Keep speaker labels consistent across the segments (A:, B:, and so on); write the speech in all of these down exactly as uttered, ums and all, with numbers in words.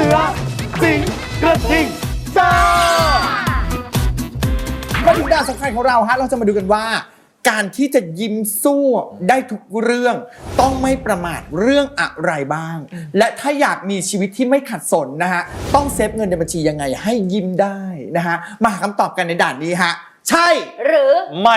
A: อสิงกระทิงซ่า
B: มาถึงด่านสำคัญของเราฮะเราจะมาดูกันว่าการที่จะยิ้มสู้ได้ทุกเรื่องต้องไม่ประมาทเรื่องอะไรบ้างและถ้าอยากมีชีวิตที่ไม่ขัดสนนะฮะต้องเซฟเงินในบัญชียังไงให้ยิ้มได้นะฮะมาหาคำตอบกันในด่านนี้ฮะใช่
C: หรือ
A: ไม่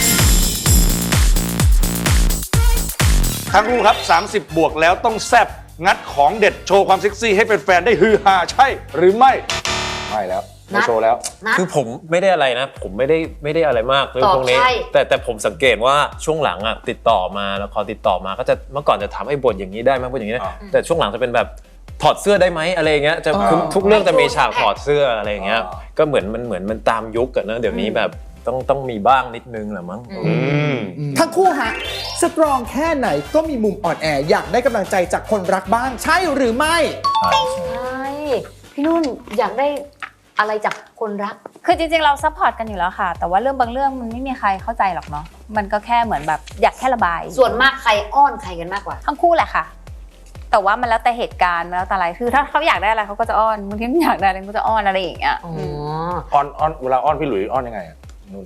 A: ทั้งคู่ครับสามสิบบวกแล้วต้องแซบงัดของเด็ดโชว์ความเซ็กซี่ให้เป็นแฟนได้ฮือฮาใช่หรือไม่ไม่แล้วไม่โชว์แล้ว
D: คือผมไม่ได้อะไรนะผมไม่ได้ไม่ได้อะไรมากเรื่องพวกนี้แต่แต่ผมสังเกตว่าช่วงหลังอ่ะติดต่อมาแล้วพอติดต่อมาก็จะเมื่อก่อนจะทำให้บทอย่างนี้ได้ไหมบทอย่างนี้แต่ช่วงหลังจะเป็นแบบถอดเสื้อได้ไหมอะไรเงี้ยจะทุกเรื่องจะมีฉากถอดเสื้ออะไรเงี้ยก็เหมือนมันเหมือนมันตามยุคกันนะเดี๋ยวนี้แบบต้องต้องมีบ้างนิดนึงแหละมั้ง
B: ทั้งคู่ฮะสตรองแค่ไหนก็มีมุมอ่อนแออยากได้กำลังใจจากคนรักบ้างใช่หรือไม่
C: ใช่พี่นุ่นอยากได้อะไรจากคนรัก
E: คือจริงๆเราซัพพอร์ตกันอยู่แล้วค่ะแต่ว่าเรื่องบางเรื่องมันไม่มีใครเข้าใจหรอกเนาะมันก็แค่เหมือนแบบอยากแค่ระบาย
C: ส่วนมากใครอ้อนใครกันมากกว่า
E: ทั้งคู่แหละค่ะแต่ว่ามันแล้วแต่เหตุการณ์มันแล้วแต่อะไรคือถ้าเขาอยากได้อะไรเขาก็จะอ้อนบางทีไม่อยากได้อะไรเขาจะอ้อนอะไรอย่างเงี้ย
A: อ้อนอ้อนเวลาอ้อนพี่หลุยอ้อนยังไงนุ่น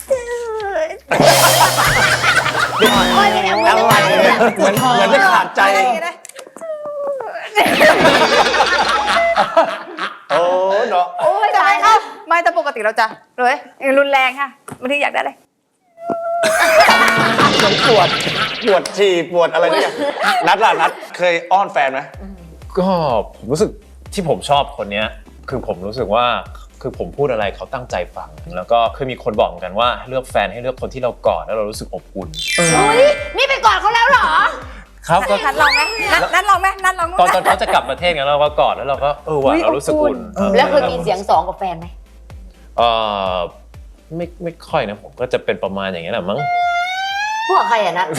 C: อ้อนยังไง
A: อะไรเหมือนเหมือนไม่ขาดใจโอ้เนาะ
E: โอ้ยทำไมครับไม่แต่ปกติเราจะเลยรุนแรงค่ะบางทีอยากได้อะไร
A: ปวดปวดฉี่ปวดอะไรเนี่ยนัดล่ะนัดเคยอ้อนแฟนไหม
D: ก็ผมรู้สึกที่ผมชอบคนนี้คือผมรู้สึกว่าคือผมพูดอะไรเขาตั้งใจฟังแล้วก็เคยมีคนบอกเหมือนกันว่าเลือกแฟนให้เลือกคนที่เรากอดแล้วเรารู้สึกอบอุ่น
C: อุ้ยนี่ไปกอดเขาแล้วเหรอ
D: ครับก็
E: นัดลองไหมนัดลองไหมนัดลอง
D: ตอนตอนเขาจะกลับประเทศกันเราก็กอดแล้วเราก็เออว่ะเรารู้สึกอุ่น
C: แล้วเคยมีเสียงสองกับแฟนไหม
D: เออไม่ไม่ค่อยนะผมก็จะเป็นประมาณอย่างนี้แหละมั้ง
C: พวกใครอ่ะนะ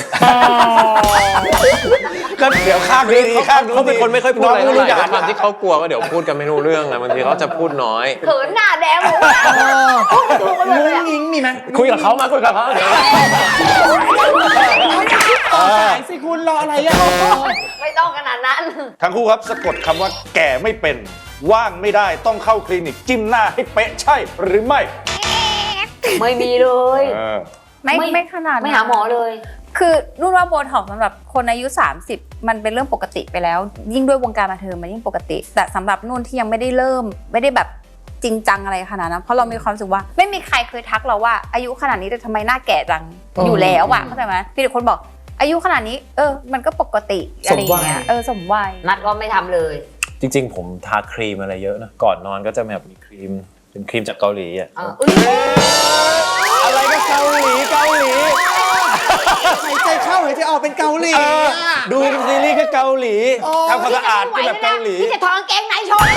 A: ก็เดี๋ยวข้างดีข้าง
D: เขาเป็นคนไม่ค่อยพูดอะไรเท่าไหร่ด้วยความที่เขากลัวว่าเดี๋ยวพูดกันไม่รู้เรื่องนะบางทีเขาจะพูดน้อย
C: เขินหน้าแดงหมด
B: งุ้งงิ้งมีไหม
D: คุยกับเขามาคุยกับเขาเดี๋ยว
B: สายสิคุณรออะไรอ่ะ
C: ไม่ต้องขนาดนั้น
A: ทั้งคู่ครับสะกดคำว่าแก่ไม่เป็นว่างไม่ได้ต้องเข้าคลินิกจิ้มหน้าให้เป๊ะใช่หรือไม่
C: ไม่มีเลย
E: ไม่ไม่ขนาด
C: ไม่หาหมอเลย
E: คือรุ่นว่าโบท็อกซ์สำหรับคนอายุสามสิบมันเป็นเรื่องปกติไปแล้วยิ่งด้วยวงการบันเทิงมันยิ่งปกติแต่สำหรับนุ่นที่ยังไม่ได้เริ่มไม่ได้แบบจริงจังอะไรขนาดนั้นเพราะเรามีความรู้สึกว่าไม่มีใครเคยทักเราว่าอายุขนาดนี้แต่ทำไมหน้าแก่จังอยู่แล้วอะเข้าใจไหมมีแต่คนบอกอายุขนาดนี้เออมันก็ปกติอะไรอย่างเงี้ยเออสมวัย
C: นัดก็ไม่ทำเลย
D: จริงๆผมทาครีมอะไรเยอะนะก่อนนอนก็จะแบบมีครีมเป็นครีมจากเกาหลีอ่ะ
A: อะไรก็เกาหลีเกาหลี
B: หายใจเข้าหายใจออกเป็นเกาหลี
A: ดูซีรีส์ก็เกาหลีทำความสะอาดก็แบบเกาหลี
C: ที่จะถอดกางเกงในโชว์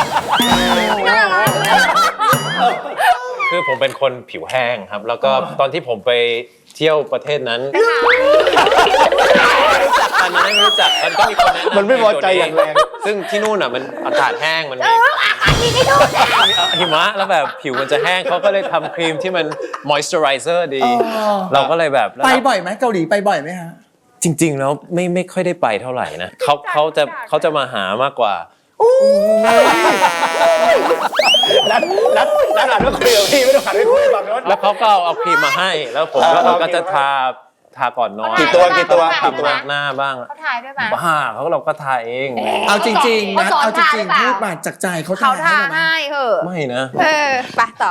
D: คือผมเป็นคนผิวแห้งครับแล้วก็ตอนที่ผมไปเที่ยวประเทศนั้นรู้จักกันไหมไม่รู้จักมันก็มีคนแนะนำ
A: มันไม่พอใจอย่างแรง
D: ซึ่งที่นู่นอ่ะมันอากาศแห้งมันมีหิมะแล้วแบบผิวมันจะแห้งเขาก็เลยทำครีมที่มัน moisturizer ดีเราก็เลยแบบ
B: ไปบ่อยไหมเกาหลีไปบ่อยไหมฮะ
D: จริงๆแล้วไม่ไม่ค่อยได้ไปเท่าไหร่นะเขาเขาจะเขาจะมาหามากกว่า
A: นัดนัดนัดอ่านว่าคุยกับพี่ไม่ต้องอ่านไม่คุยฝั่งโน้น
D: แล้วเขาก็เอาครีมมาให้แล้วผมก็จะทาทาก่อนนอน
A: กี่ตัวกี่ตัว
D: กี่ตัวหน้าบ้าง
E: เขาทายด้วยไหม
D: บ้าเขาเราก็ทาเอง
B: เอาจริงๆนะเอาจริงๆพูดมาจากใจเขา
E: ทาให้เหรอ
D: ไม่นะ
E: เออไปต่อ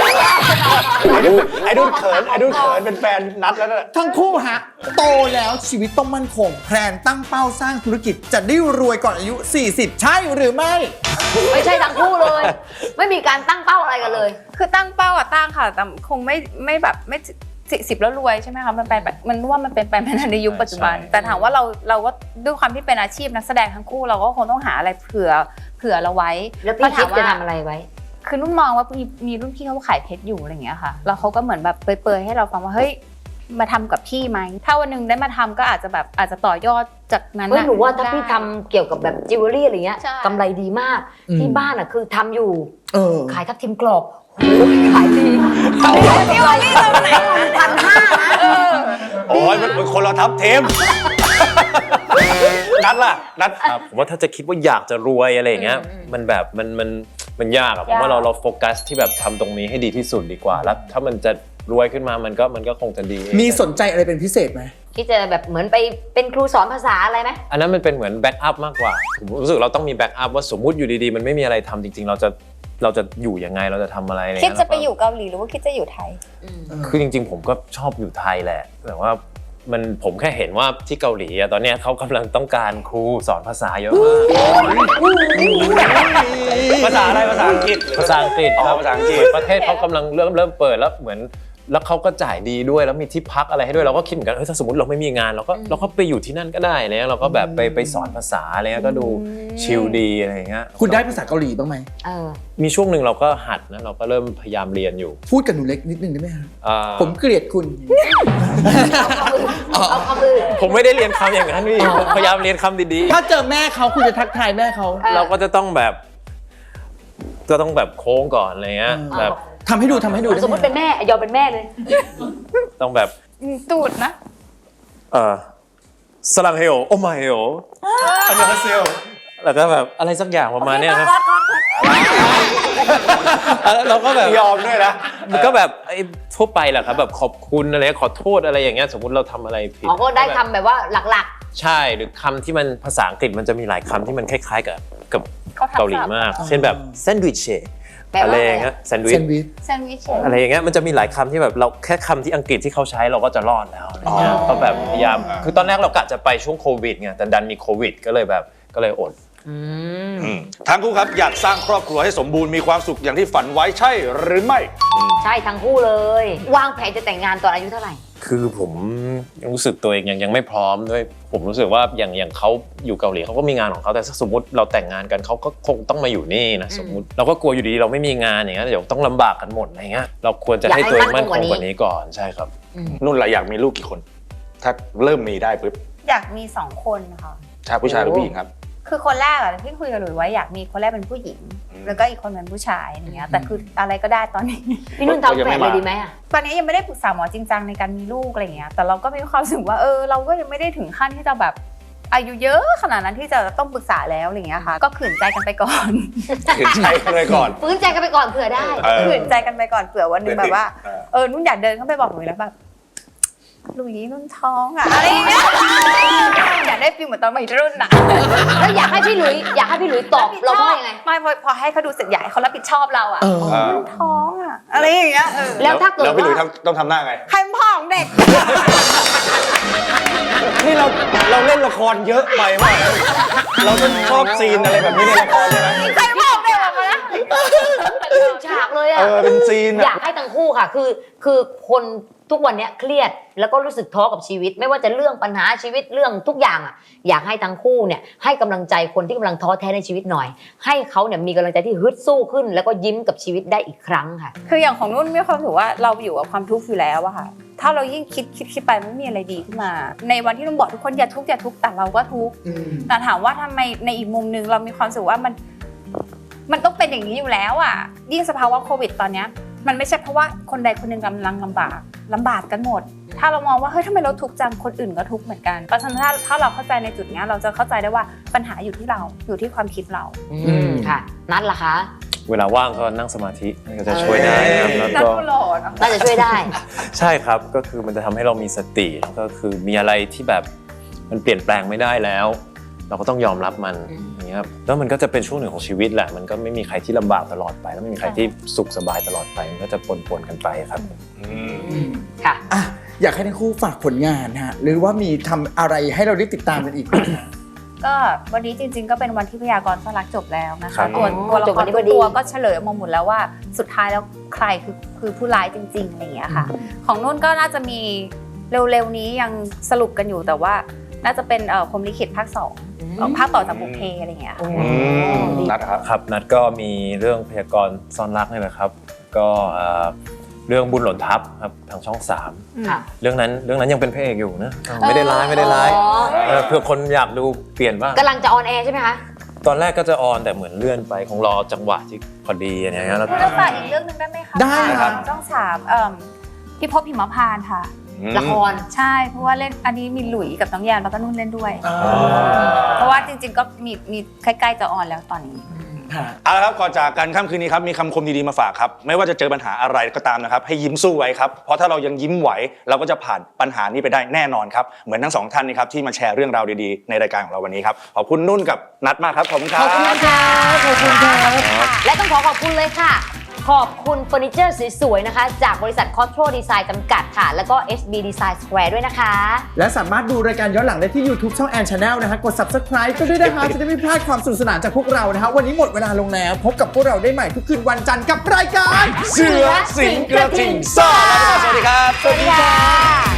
A: ไอ้ดุ้นเขินไอ้ดุ้นเขินเป็นแฟนนัดแล้วนะ
B: ทั้งคู่ฮะโตแล้วชีวิตต้องมั่นคงแพลนตั้งเป้าสร้างธุรกิจจะได้รวยก่อนอายุสี่สิบใช่หรือไม่
C: ไม่ใช่ทั้งคู่เลยไม่มีการตั้งเป้าอะไรกันเลย
E: คือตั้งเป้าอะตั้งค่ะแต่คงไม่ไม่แบบไม่สี่สิบแล้วรวยใช่ไหมคะมันเป็นแบบมันว่ามันเป็นไปไม่ได้ในยุคปัจจุบันแต่ถามว่าเราเราก็ด้วยความที่เป็นอาชีพนักแสดงทั้งคู่เราก็คงต้องหาอะไรเผื่อเผื่อเราไว้
C: แล้วพี่คิดจะทำอะไรไว้
E: คือนุ่นมองว่ามีมีรุ่นพี่เขาขายเพชรอยู่อะไรอย่างเงี้ยค่ะแล้วเขาก็เหมือนแบบเปรยๆให้เราฟังว่าเฮ้ยมาทำกับพี่ไหมถ้าวันนึงได้มาทำก็อาจจะแบบอาจจะต่อยอดจากนั้น
C: นะหนูว่าถ้าพี่ทำเกี่ยวกับแบบจิวเวลรี่อะไรเงี้ยกำไรดีมากที่บ้านอ่ะคือทำอยู่ขายทับทิมกรอบขายดี
E: ขายจิวเวลรี่ตรงไหน
C: พันห้านะ
A: โอ้ยมันคนเราทับเทมนัดล่ะนัด
D: ครับผมว่าถ้าจะคิดว่าอยากจะรวยอะไรอย่างเงี้ยมันแบบมันมันมันยากอะผมว่าเราเราโฟกัสที่แบบทำตรงนี้ให้ดีที่สุดดีกว่าแล้วถ้ามันจะรวยขึ้นมามันก็มันก็คงจะดี
B: มีสนใจอะไรเป็นพิเศษไหม
C: ที่จะแบบเหมือนไปเป็นครูสอนภาษาอะไรไหม
D: อันนั้นมันเป็นเหมือนแบ็กอัพมากกว่าผมรู้สึกเราต้องมีแบ็กอัพว่าสมมุติอยู่ดีๆมันไม่มีอะไรทำจริงๆเราจะเราจะอยู่ยังไงเราจะทำอะไร
E: คิดจะไปอยู่เกาหลีหรือว่าคิดจะอยู่ไทย
D: คือจริงๆผมก็ชอบอยู่ไทยแหละแต่ว่ามันผมแค่เห็นว่าที่เกาหลีอะตอนนี้เขากำลังต้องการครูสอนภาษาเยอะมาก
A: ภาษาอะไรภาษาอังกฤษ
D: ภาษาอังกฤษครับ
A: ภาษาอังกฤษ
D: ประเทศเขากำลังเริ่มเริ่มเปิดแล้วเหมือนแล้วเขาก็จ่ายดีด้วยแล้วมีที่พักอะไรให้ด้วยเราก็คิดเหมือนกันเฮ้ยถ้าสมมติเราไม่มีงานเราก็เราก็ไปอยู่ที่นั่นก็ได้เนี่ยเราก็แบบไปไปสอนภาษาอะไรเงี้ยก็ดูชิลดีอะไรเงี้ย
B: คุณได้ภาษาเกาหลีบ้างไหม
D: มีช่วงหนึ่งเราก็หัดนะเราก็เริ่มพยายามเรียนอยู่
B: พูดกับหนูเล็กนิดนึงได้ไหมครับผมเกลียดคุณ
D: ผมไม่ได้เรียนคำอย่างนั้นพี่พยายามเรียนคำดี
B: ๆถ้าเจอแม่เขาคุณจะทักทายแม่เขา
D: เราก็จะต้องแบบก็ต้องแบบโค้งก่อนอะไรเงี้ยแบบ
B: ทำให้ดูทำให้ดู
C: สมมติเป็นแม่ยอมเป็นแม่เลย
D: ต้องแบบ
E: ตูดนะ
D: เออสลังเฮลโอมาเฮลอันนี้เซลแล้วก็แบบอะไรสักอย่างประมาณนี้ครับเราก็แบบ
A: ยอมด้วยนะ
D: มันก็แบบไอ้ทั่วไปแหละครับแบบขอบคุณอะไรขอโทษอะไรอย่างเงี้ยสมมติเราทำอะไรผิด
C: อ๋อก็ได้คำแบบว่าหลัก
D: ๆใช่หรือคำที่มันภาษาอังกฤษมันจะมีหลายคำที่มันคล้ายๆกับกับเกาหลีมากเช่นแบบแซนด์วิชอะไรอย่างเงี้ยแซนด์วิช
E: แซนด์วิช
D: อะไรอย่างเงี้ยมันจะมีหลายคำที่แบบเราแค่คำที่อังกฤษที่เขาใช้เราก็จะรอดแล้วอะไรเงี้ยก็แบบพยายามคือตอนแรกเรากะจะไปช่วงโควิดไงแต่ดันมีโควิดก็เลยแบบก็เลยอด
A: ทั้งคู่ครับอยากสร้างครอบครัวให้สมบูรณ์มีความสุขอย่างที่ฝันไว้ใช่หรือไม่
C: ใช่ทั้งคู่เลยวางแผนจะแต่งงานตอนอายุเท่าไหร่
D: คือผมยังรู้สึกตัวเองยังยังไม่พร้อมด้วยผมรู้สึกว่าอย่างอย่างเขาอยู่เกาหลีเขาก็มีงานของเขาแต่สมมติเราแต่งงานกันเขาก็คงต้องมาอยู่นี่นะสมมติเราก็กลัวอยู่ดีเราไม่มีงานอย่างเงี้ยเดี๋ยวต้องลำบากกันหมดอะไรเงี้ยเราควรจะให้ตัวเองมั่นคงกว่านี้ก่อนใช่ครับ
A: นุ่นล่ะอยากมีลูกกี่คนถ้าเริ่มมีได้ปุ๊บ
E: อยากมีสองคนค่ะ
A: ชายผู้ชายหรือผู้หญิงครับ
E: คือคนแรกอะที่คุยกับหลุยไว้อยากมีคนแรกเป็นผู้หญิงแล้วก็อีกคนเป็นผู้ชายอย่างเงี้ยแต่คืออะไรก็ได้ตอนนี้
C: พี่นุ่นทำแฝดเลยดีไหมอะ
E: ตอนนี้ยังไม่ได้ปรึกษาหมอจริงจังในการมีลูกอะไรเงี้ยแต่เราก็มีความรู้สึกว่าเออเราก็ยังไม่ได้ถึงขั้นที่จะแบบอายุเยอะขนาดนั้นที่จะต้องปรึกษาแล้วอะไรเงี้ยค่ะก็ขืนใจกันไปก่อน
A: ขืนใจกันไปก่อน
C: ฝืนใจกันไปก่อนเผื่อได้
E: ขืนใจกันไปก่อนเผื่อวันนึงแบบว่าเออนุ่นอยากเดินเข้าไปบอกหลุยแล้วแบบหลุยนุ่นท้องอะอะไรอย่างเงี้ยอยากได้ฟีลเหมือนตอนวัยรุ่นอะ
C: แล้วอยากให้พี่หลุยอยากให้พี่หลุยตอบเราว่ายังไง
E: ไม่พอพอให้เขาดูเสร็จใหญ่เขารับผิดชอบเราอะนุ่นท้องอะอะไรอย่างเงี้ย
C: แล้วถ้าเกิด
A: แล้วพี่หลุยต้องทำหน้าไง
E: ใครพ่อของเด็ก
A: นี่เราเราเล่นละครเยอะไปมากเราต้องชอบซีนอะไรแบบนี้ในละครใช่ไหม
E: ใครพ่อของเด็กออกมานะ
C: ฉากเลยอะ
A: เออเป็นซีน
C: อยากให้ทั้งคู่ค่ะคือคือคนทุกวันนี้เครียดแล้วก็รู้สึกท้อกับชีวิตไม่ว่าจะเรื่องปัญหาชีวิตเรื่องทุกอย่างอ่ะอยากให้ทั้งคู่เนี่ยให้กำลังใจคนที่กำลังท้อแท้ในชีวิตหน่อยให้เขาเนี่ยมีกำลังใจที่ฮึดสู้ขึ้นแล้วก็ยิ้มกับชีวิตได้อีกครั้งค่ะ
E: คืออย่างของนุ่นมีความรู้สึกว่าเราอยู่กับความทุกข์อยู่แล้วอะค่ะถ้าเรายิ่งคิดคิดคิดไปไม่มีอะไรดีขึ้นมาในวันที่นุ่นบอกทุกคนอย่าทุกข์อย่าทุกข์แต่เราก็ทุกข์แต่ถามว่าทำไมในอีกมุมนึงเรามีความรู้สึกว่ามันมันต้องเป็นอย่างนี้อยู่แล้วอะยิ่งสภาวะโควิดตอนเนี้ยมันไม่ใช่เพราะว่าคนใดคนหนึ่งกำลังลำบากลำบากกันหมดถ้าเรามองว่าเฮ้ยทำไมเราทุกข์จังคนอื่นก็ทุกข์เหมือนกันเพราะฉะนั้นถ้าถ้าเราเข้าใจในจุดนี้เราจะเข้าใจได้ว่าปัญหาอยู่ที่เราอยู่ที่ความคิดเรา
C: อืมค่ะนัดล่ะคะ
D: เวลาว่างก็นั่งสมาธิก็จะช่วยได้ครับแล้วก็
C: น่าจะช่วยได้
D: ใช่ครับก็คือมันจะทำให้เรามีสติแล้วก็คือมีอะไรที่แบบมันเปลี่ยนแปลงไม่ได้แล้วเราก็ต้องยอมรับมันอย่างเงี้ยครับแล้วมันก็จะเป็นช่วงหนึ่งของชีวิตแหละมันก็ไม่มีใครที่ลำบากตลอดไปแล้วไม่มีใครที่สุขสบายตลอดไปมันก็จะปนๆกันไปครับ
C: ค่ะ
B: อ่ะอยากให้ทั้งคู่ฝากผลงานฮะหรือว่ามีทำอะไรให้เราได้ติดตามกันอีก
E: ก็วันนี้จริงๆก็เป็นวันที่พยากรณ์สลักจบแล้วนะคะตัวตัวละครทุกตัวก็เฉลยออกมาหมดแล้วว่าสุดท้ายแล้วใครคือคือผู้ร้ายจริงๆอะไรอย่างเงี้ยค่ะของนุ่นก็น่าจะมีเร็วๆนี้ยังสรุปกันอยู่แต่ว่าน่าจะเป็นพรหมลิขิตภาคสองภาคต่อจากบุพเพอะไรอย่างเงี้ย
A: นัดครับ
D: ครับนัดก็มีเรื่องพยากรณ์ซ่อนรักนี่แหละครับก็เรื่องบุญหล่นทับครับทางช่องสามเรื่องนั้นเรื่องนั้นยังเป็นพระเอกอยู่นะไม่ได้ร้ายไม่ได้ร้ายเพื่อคนอยากดูเปลี่ยนบ้าง
C: กำลังจะออนแอร์ใช่ไหมคะ
D: ตอนแรกก็จะออนแต่เหมือนเลื่อนไปของรอจังหวะที่พอดีอะไรเงี้ย
E: แล้วก็ฝากอีกเรื่องนึงได้ไหมคะ
B: ได้ครับ
E: ช่องสามพี่พบหิมพานต์ค่ะ
C: ละคร
E: ใช่เพราะว่าเล่นอันนี้มีหลุยกับน้องแยนแล้วก็นุ่นเล่นด้วย เพราะว่าจริงๆก็มีมีใกล้ๆจะออนแล้วตอนนี้
A: เอาละครับก่อนจากกันค่ำคืนนี้ครับมีคำคมดีๆมาฝากครับไม่ว่าจะเจอปัญหาอะไรก็ตามนะครับให้ยิ้มสู้ไว้ครับเพราะถ้าเรายังยิ้มไหวเราก็จะผ่านปัญหานี้ไปได้แน่นอนครับเหมือนทั้งสองท่านนี้ครับที่มาแชร์เรื่องราวดีๆในรายการของเราวันนี้ครับขอบคุณนุ่นกับนัทมากครับขอบคุณครับ
C: ขอบคุณค่ะขอบคุณค่ะและต้องขอขอบคุณเลยค่ะ ขอบคุณเฟอร์นิเจอร์สวยๆนะคะจากบริษัท Costco Design จำกัดค่ะแล้วก็ เอช บี Design Square ด้วยนะคะ
B: และสามารถดูรายการย้อนหลังได้ที่ YouTube ช่อง Ann Channel นะฮะกด Subscribe ก็ด้วยนะคะจะได้ไม่พลาดความสนุกสนานจากพวกเรานะฮะวันนี้หมดเวลาลงแล้วพบกับพวกเราได้ใหม่ทุกคืนวันจันทร์กับรายการ
A: เสือสิงกระทิงซ่าสวัสดีครับ
C: สวัสดีค่ะ